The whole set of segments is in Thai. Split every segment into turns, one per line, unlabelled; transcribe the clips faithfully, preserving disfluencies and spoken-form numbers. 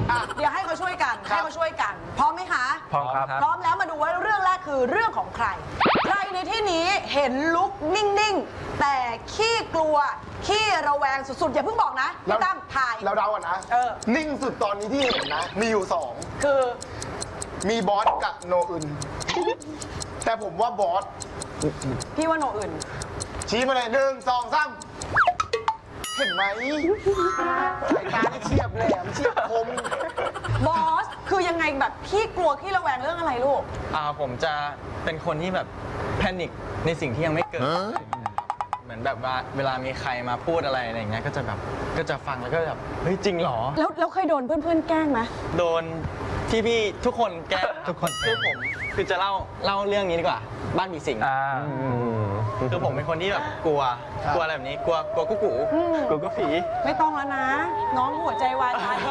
เดี๋ยวให้เขาช่วยกันให้เขาช่วยกันพร้อมไหมคะ
พร้อมครับ
พร้อมแล้วมาดูว่าเรื่องแรกคือเรื่องของใคร ใครในที่นี้เห็นลุกนิ่งๆแต่ขี้กลัวขี้ระแวงสุดๆอย่าเพิ่งบอกนะพี่ตั้มถ่าย
เราเดาก่อนนะ
เออ
นิ่งสุดตอนนี้ที่เห็นนะ มีอยู่สอง
คือ
มีบอสกับโนอึนแต่ผมว่าบอส
พี่ว่าโนอื่น
ชี้มาเลยหนึ่งสองสามเห็นไหมสายตาที่เฉียบแหลมเฉียบคม
บอสคือยังไงแบบขี้กลัวขี้ระแวงเรื่องอะไรลูก
อ่าผมจะเป็นคนที่แบบแพนิคในสิ่งที่ยังไม่เกิด เหมือนแบบว่าเวลามีใครมาพูดอะไรอะไรอย่างเงี้ยก็จะแบบก็จะฟังแล้วก็แบบเฮ้ยจริงเหรอ
แล้วแล้วเคยโดนเพื่อนๆแกล้งไหม
โดนพี่พี่ๆทุกคนแกล้งทุกคนคือผมคือจะเล่าเล่าเรื่องนี้ดีกว่าบ้านผีสิงคือผมเป็นคนที่แบบกลัวกลัวอะไรแบบนี้กลัวกลัวกุ๊กกูกลัวกุ๊กผี
ไม่ต้องแล้วนะ น้องหัวใจวายตาย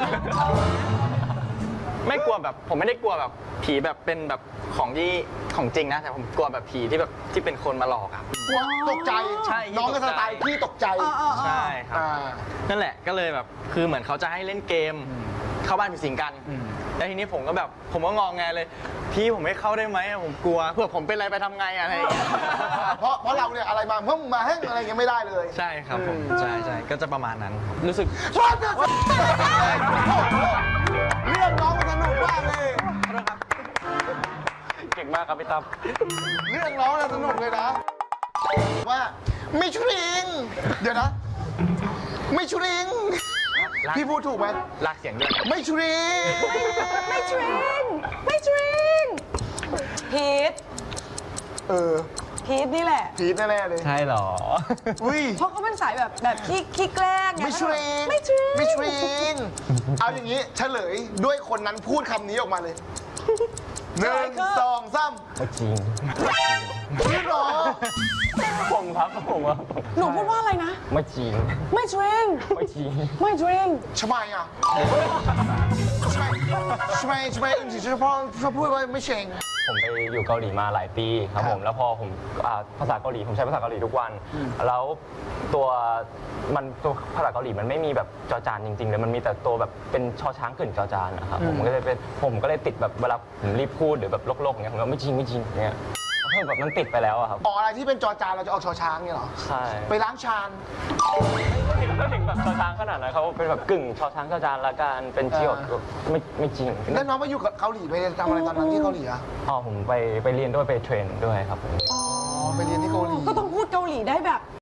ไม่กลัวแบบผมไม่ได้กลัวแบบผีแบบเป็นแบบของที่ของจริงนะแต่ผมกลัวแบบผีที่แบบที่เป็นคนมาหลอกอะ
ตกใจ
ใช่
น้องก็สไตล์พี่ตกใจ
เออเออเออ
ใช่ครับ
อ่า
นั่นแหละก็เลยแบบคือเหมือนเขาจะให้เล่นเกมเข้าบ้านผีสิงกันแล้วทีนี้ผมก็แบบผมก็งองแงเลย พี่ผมไม่เข้าได้ไหมอะผมกลัวเผื่อผมเป็นอะไรไปทำไงอะอะไรอย่างเงี้ย
เพราะเพราะเราเนี่ยอะไรมาเพิ่มมาให้อะไรเงี้ยไม่ได้เลย
ใช่ครับผมใช่ใช่ก็จะประมาณนั้นครับรู้สึก
ชอบเรื่องน้องมันสนุกมากเลย
เก่งมากครับพี่ตั้ม
เรื่องน้องน่ะสนุกเลยนะ ว่าไม่ชริง เดี๋ยวนะ ไม่ชริง พี่พูดถูกไหม
ลากเสียงด้วย
ไม่ชริง
ไม่ทริงไม่ทริงพีท
เออ
พีทนี่แหละ
พีทแน่ๆเลย
ใช่หรอ
อุ้ย
เพราะเขาเป็นสายแบบแบบขี้ขี้แกล้งไง
ไม่ชริง
ไม่ทริง
ไม่ชริง เอาอย่างนี้เฉลยด้วยคนนั้นพูดคำนี้ออกมาเลยหนึ่งสองสาม
ไม่จริง
จริงเหรอ
ผมครับผมว่า
หนูพูดว่าอะไรนะ
ไม่จริง
ไม่ทริง
ไม่จริง
ไม่ทริง
ทำไมอ่ะทำไมทำไมทำไมถึงเฉพาะชอบพูดว่าไม่เชง
ผมไปอยู่เกาหลีมาหลายปีครับผมแล้วพอผมอ่าภาษาเกาหลีผมใช้ภาษาเกาหลีทุกวัน แล้วตัวมันตัวภาษาเกาหลีมันไม่มีแบบจอจานจริงๆเลยมันมีแต่ตัวแบบเป็นชอช้างกึ่นจอจานนะครับผมก็เลยเป็นผมก็เลยติดแบบเวลาผมรีบพูดหรือแบบโลกๆอย่างเงี้ยผมก็ไม่จริงไม่จริงเนี่ยเออแบบมันติดไปแล้วอะครับ
ออกอะไรที่เป็นจอจานเราจะออกชอช้างเนี่ยเหรอ
ใช่
ไปล้างชาน
ก็ถึงแบบชอช้างขนาดนั้นเขาเป็นแบบกึ่งชอช้างจอจานละกันเป็นเจียวไม่ไม่จริง
แล้วน้องมาอยู่กับเกาหลีไปทำอะไรตอนนั้นที่เกาหลีอ่ะ
อ๋อผมไปไปเรียนด้วยไปเทรนด้วยครับผม
อ๋อไปเรียนที่เกาหลี
ก็ต้องพูดเกาหลีได้แบบ